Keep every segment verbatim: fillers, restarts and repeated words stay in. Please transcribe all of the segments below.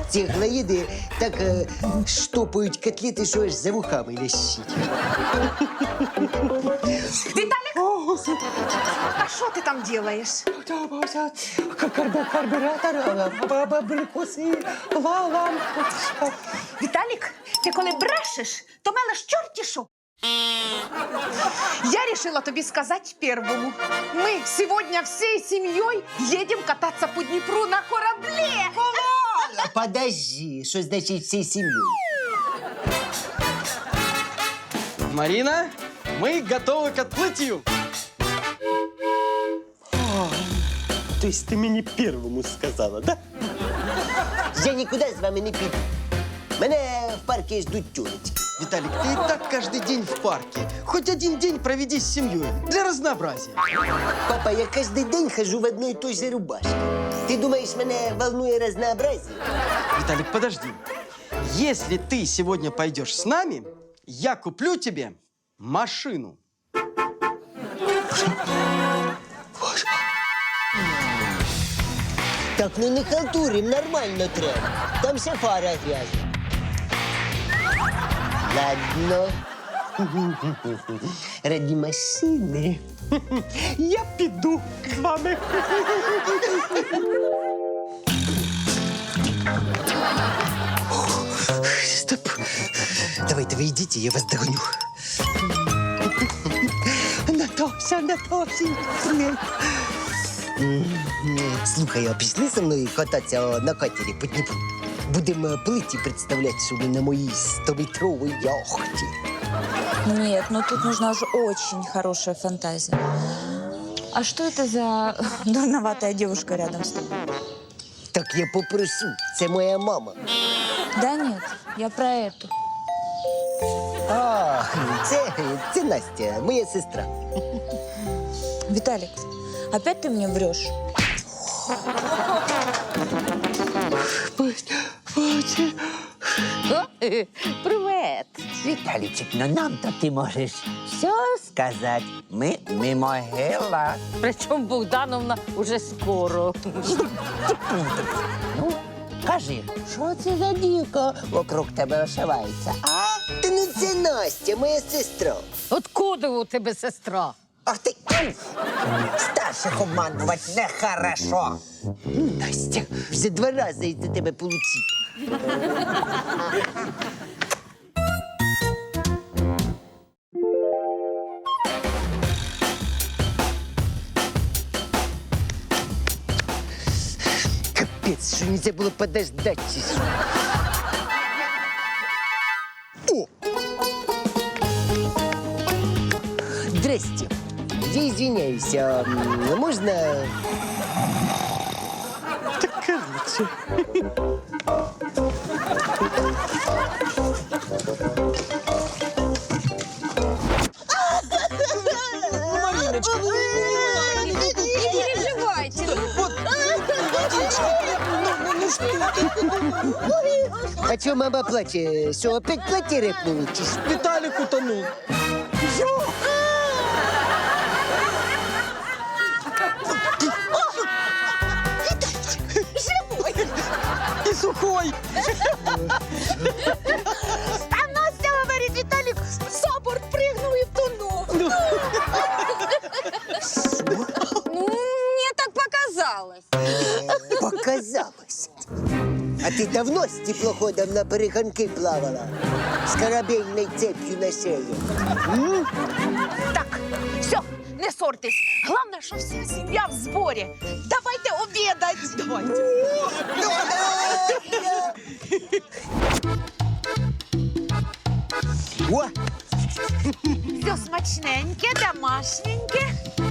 цегла їде, так е, штопають котлети, що аж за вухами лящить. Виталик! А что ты там делаешь? Карбюратор, абрикоси, лампочка. Виталик, ты коли брешешь, то мелеш чорті що. Я решила тобі сказать первому. Мы сегодня всей семьей едем кататься по Днепру на корабле. Подожди, що значить всей сім'єю? Марина, мы готовы к отплытию. То есть ты мне первому сказала, да? Я нікуди з вами не піду. Мене в парку ждуть тюлечки. Виталик, ты и так каждый день в парке. Хоть один день проведи с семьей. Для разнообразия. Папа, я кожен день хожу в одной и той же рубашке. Ти думаєш, мене волнує разнообразие? Виталик, подожди. Если ты сегодня пойдешь с нами, я куплю тебе машину. Так, ну не халтурим, нормально треба. Там вся фара грязна. Ладно. Ради машини. Я піду з вами. Стоп. Давайте вы идите, я вас догоню. Натося, Натося. Слухай, а пішли со мною кататися на катері по Дніпру? Будемо плиті представляти, що ми на моїй стометровій яхті. Нет, но тут нужна уже очень хорошая фантазия. А что это за дурноватая девушка рядом с тобой? Так я попрошу, це моя мама. Да нет, я про эту. А, це, це Настя, моя сестра. Виталик, опять ты мне врешь? Привет! Віталічик, ну нам-то ти можеш все сказати. Ми не могила. Причому Богдановна уже скоро. Ну, кажи, що це за дівка вокруг тебе ошивається? А? Та ну це Настя, моя сестра. Откуда у тебе сестра? Ах ти, Старших обманувати нехорошо. Настя, вже два рази із-за тебе получив. Капець, що нельзя було подождать чи що? О! Здрасте. Я извиняюсь, а м, можно... Так короче. А чё мама плачет? Что, опять платье рэпнуло? чи що? Виталик утонул. И сухой. А Настя говорит, Виталик за борт прыгнул и втонул. Ну, мне так показалось. Показалось. А ты давно с теплоходом на перегонки плавала? С корабельной цепью на шее? М? Так, все, не ссорьтесь. Главное, что вся семья в сборе. Давайте обедать. Давайте. О! Все смачненьке, домашненьке.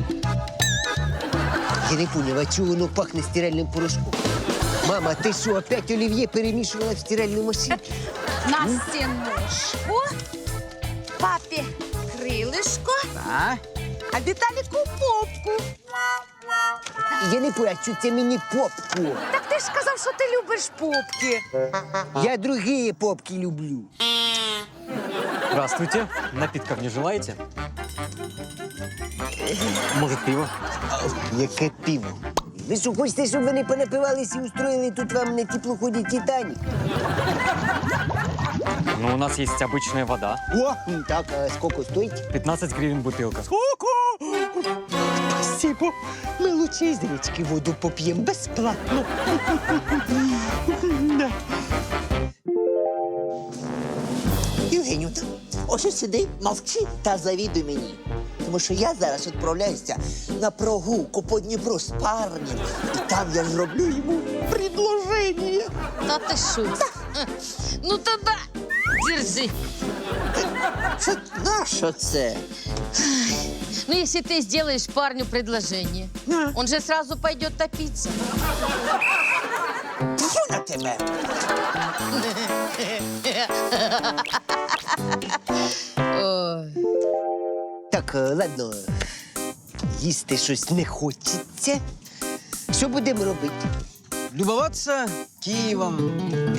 Я не понял, а чего оно пахнет стиральным порошком? Мама, ты что, опять оливье перемешивала в стиральную машинку? Насте ножку, папе крылышко, Да. а Виталику попку. Я не понял, а что це мені попку? Так ти ж сказав, що ти любиш попки. Я другие попки люблю. Здравствуйте. Напитков не желаете? Может, пиво? Яке пиво? Ви що, хочете, щоб вони понапивалися і устроїли тут вам на теплоході «Титанік»? Ну, у нас есть обычная вода. О, так, а скільки стоїть? пятнадцать гривен бутылка. Спасибо. Ми лучше із річки воду поп'ємо безплатно. Євгенію, ось сиди, мовчи та завідуй мені. Тому що я зараз відправляюся на прогулку по Дніпру з парнем. І там я зроблю йому предложення. Та ти що? Ну тоді держи. Що, на що це? Ну, если ты сделаешь парню предложение, он же сразу пойдет топиться. Тьфу на тебе. Ой. Так, е, ладно, їсти щось не хочеться. Що будемо робити? Любоваться Киевом.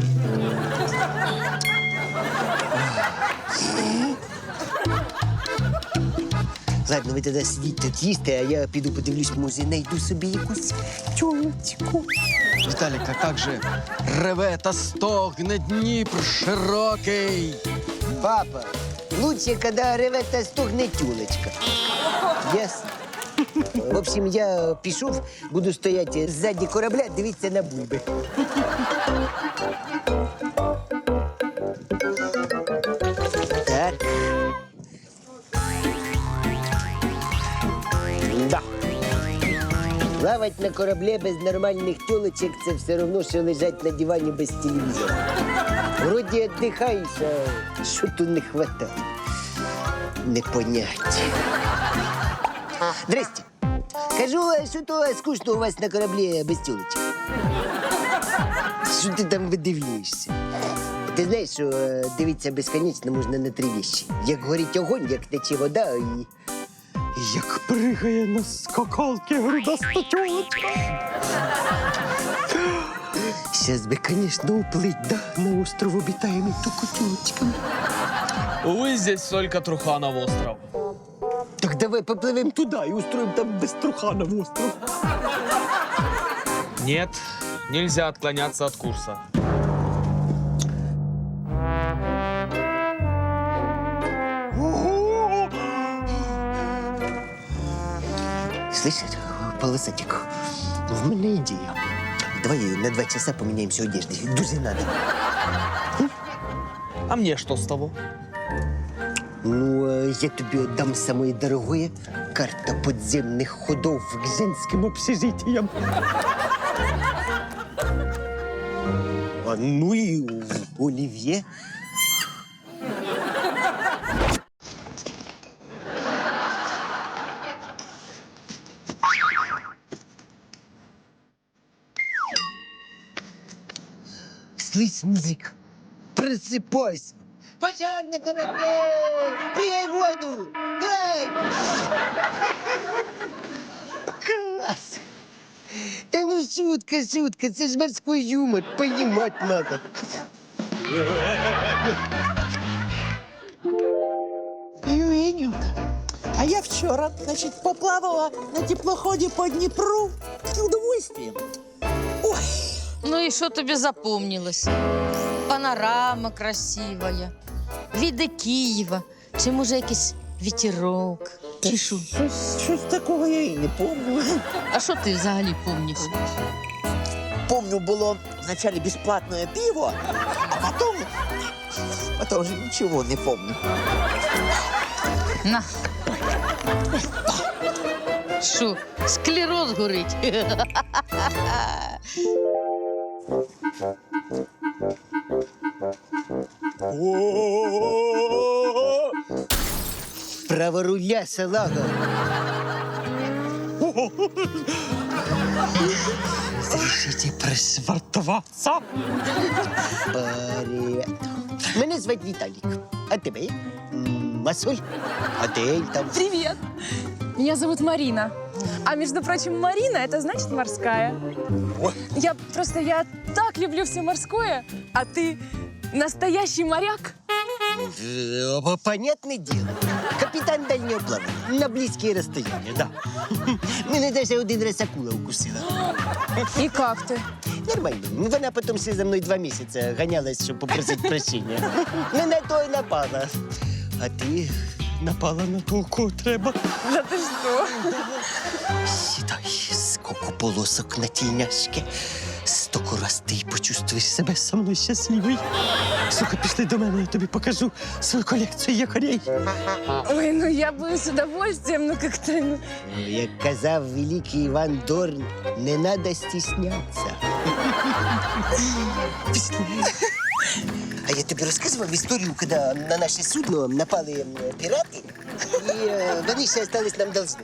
Ладно, ви тоді сидіть тут їсти, а я піду подивлюсь, може, знайду собі якусь тюлечку. Виталик, а как же реве та стогне Дніпр широкий? Папа, лучше, когда реве та стогне тюлечка. Ясно? В общем, я пішов, буду стояти ззаді корабля, дивитися на бульби. Так. Да. Плавать на кораблі без нормальних тюлечок – це все одно, що лежать на дивані без телевізора. Вроді віддихаєш, а що тут не хватає? Непоняття. Здрасте. Кажу, а що то скучно у вас на кораблі без тюлечок? Що ти там видивлюєшся? Ти знаєш, що е, дивитися безконечно можна на три вещи. Як горить огонь, як тече вода і... Як пригає на скакалки грудаста тюлечка. Сейчас би, конечно, уплыть, да, на остров обитаемый только тюлечками. Увы, здесь только Труханов остров. Так давай поплывем туда и устроим там без Труханов остров. Нет, нельзя отклоняться от курса. Слышишь, полосатик, в мене ідея. Давай на два часа поменяемся одеждой. Дуже надо. А мне что с того? Ну, а я тобі отдам самое дорогое — карта подземных ходов к женским общежитиям. А ну и Оливье. Слышь, музыка, просыпайся. Пожар на корабле! Пей воду! Дай! Класс! Да ну шутка, шутка, це ж морской юмор, понимать надо. Євгенію, а я вчора, значить, поплавала на теплоході по Дніпру з удовольствием. Ой, Ну и что тебе запомнилось? Панорама красивая, види Києва, чи може якийсь вітерок, чи що? щось, щось такого я і не пам'ятаю. А що ти взагалі помниш? Помню, було вначале бесплатное пиво, а потом, потом уже ничего не помню. На. Що, склероз горить? Право руля, салага. Разрешите пришвартоваться? Привет. Мене звати Віталік. А тебе? М, Масоль? Адель там. Привет! Меня зовут Марина. А между прочим, Марина — это значит морская. Я просто, я так люблю все морское, а ты настоящий моряк. Э, Понятное дело. Капитан капітан дальнього плавання. На близькі розстояння, да. Мене навіть один раз акула укусила. И как ты? Нормально. Вона потім ще за мною два місяці ганялась, щоб попросити прощення. Не на то й напала. А ти напала на того, кого треба. Да ты что? Сідай, скільки полосок на тільняшки. Стоку раз ти почувствуєш себе со мною щасливий. Сука, пішли до мене, я тобі покажу свою колекцію якорей. Ой, ну я бы с удовольствием, ну как-то... Ну... Як казав великий Іван Дорн, не треба стіснятися. Пішли. А я тобі розказував історію, коли на наше судно напали м, пірати, і е, вони ще залишились нам должны.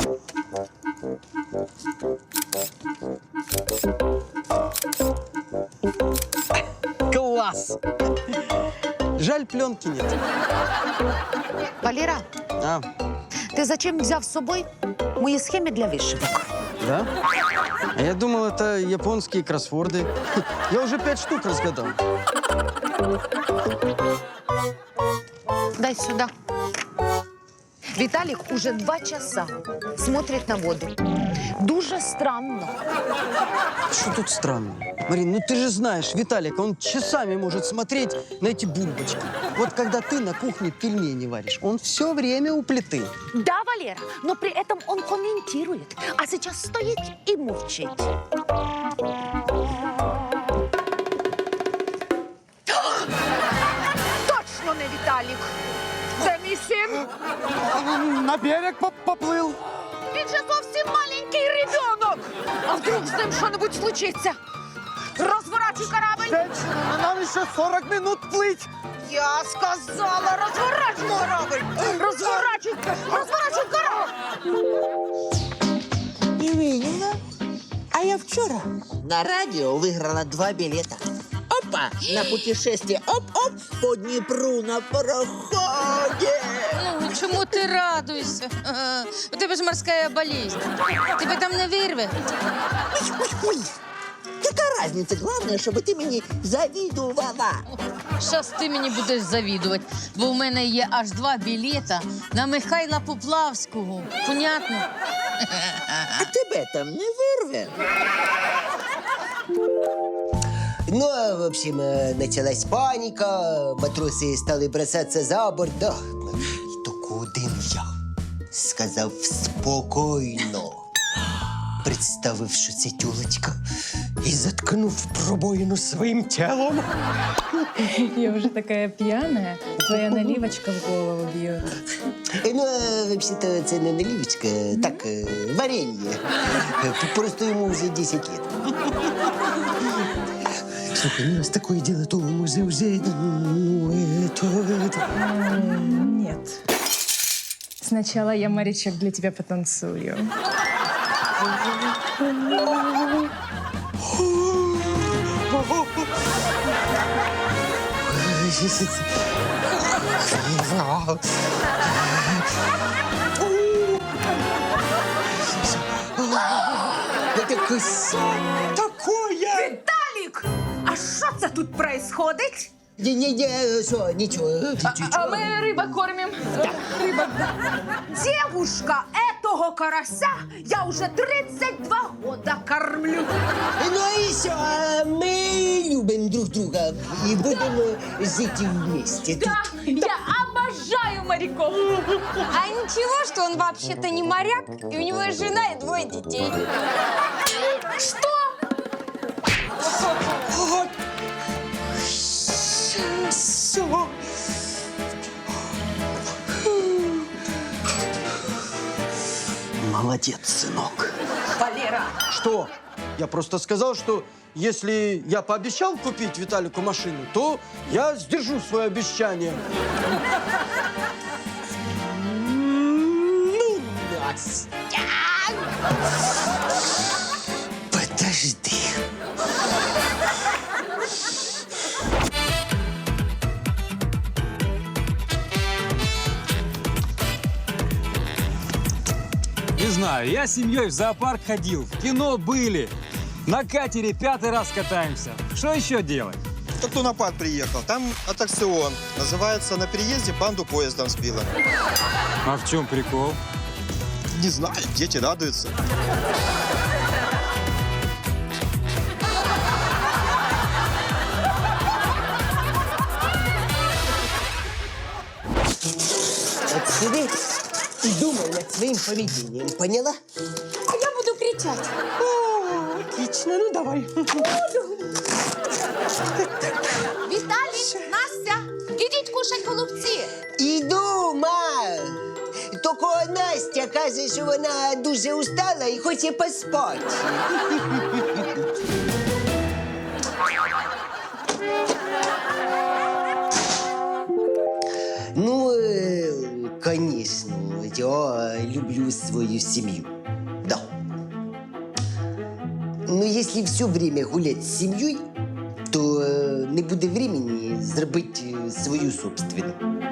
Класс! Жаль, пленки нет. Валера, А, ти зачем взяв з собою мої схеми для вишивок? да? А я думал, это японские кроссворды. Я уже пять штук разгадал. Дай сюда. Виталик уже два часа смотрит на воду. Дуже странно. Что тут странно? Марин, ну ты же знаешь, Виталик, он часами может смотреть на эти бульбочки. Вот когда ты на кухне пельмени варишь, он все время у плиты. Да, Валера, но при этом он комментирует, а сейчас стоит и мурчит. Точно не Виталик. Де мій син? На берег поплыл. Він же зовсім маленький ребенок. А вдруг з ним що-небудь случиться? Розворачуй корабль. Женщина, нам еще сорок минут плыть. Я сказала, розворачуй корабль. Розворачуй, розворачуй корабль. Євгенівна, а я вчора на радіо виграла два білета. Опа! На путешествие оп-оп по Дніпру на пароході. Ну, чому ти радуєшся? Ага. У тебе ж морська болезнь. Тебе там не вирве. Ой, яка разниця? Головне, щоб ти мені завідувала. Щас ти мені будеш завідувати, бо в мене є аж два білета на Михайла Поплавського. Понятно? А тебе там не вирве. Ну, а, в общем, э, началась паника, матроси стали бросаться за борт, да. І тільки один я сказав спокійно, представив, що це тюлечка, і заткнув пробоїну своїм тілом. Я уже такая пьяная, твоя наливочка в голову бьет. Е, Ну, а, взагалі-то, це не наливочка, так, е, варенье. Е, Просто йому вже десять лет. Слушай, ну раз такое дело, то може вже, ну, это, это... Нет. Сначала я, Маричек, для тебя потанцую. Это кос... Такое! Виталик! А що це тут происходить? Не-не-не, что, ничего. А мы рыба кормим. Да. Рыба, да. Девушка, этого карася я уже тридцать два года кормлю. Ну и все, мы любим друг друга и будем жить вместе. Да, я обожаю моряков. А ничего, что он вообще-то не моряк, и у него есть жена и двое детей. Что? Все. Молодец, сынок. Валера, Что? Я просто сказал, что если я пообещал купить Виталику машину, то я сдержу свое обещание. Ну, Настя. Подожди. Не знаю, я с семьей в зоопарк ходил, в кино были. На катере пятый раз катаемся. Что еще делать? только кто на парк приехал. Там аттракцион. Называется «На переезде банду поездом сбила». А в чем прикол? Не знаю, дети радуются. От сиди и думай над своим поведением, поняла? А я буду кричать. О, отлично, ну давай. Віталій, Настя, ідіть кушать голубці. Іду, ма! Тільки Настя каже, що вона дуже устала і хоче поспати. Ну, э, конечно, я люблю свою семью. Да. Но если все время гулять с семьей, то э, не буде времени зробити э, свою собственную.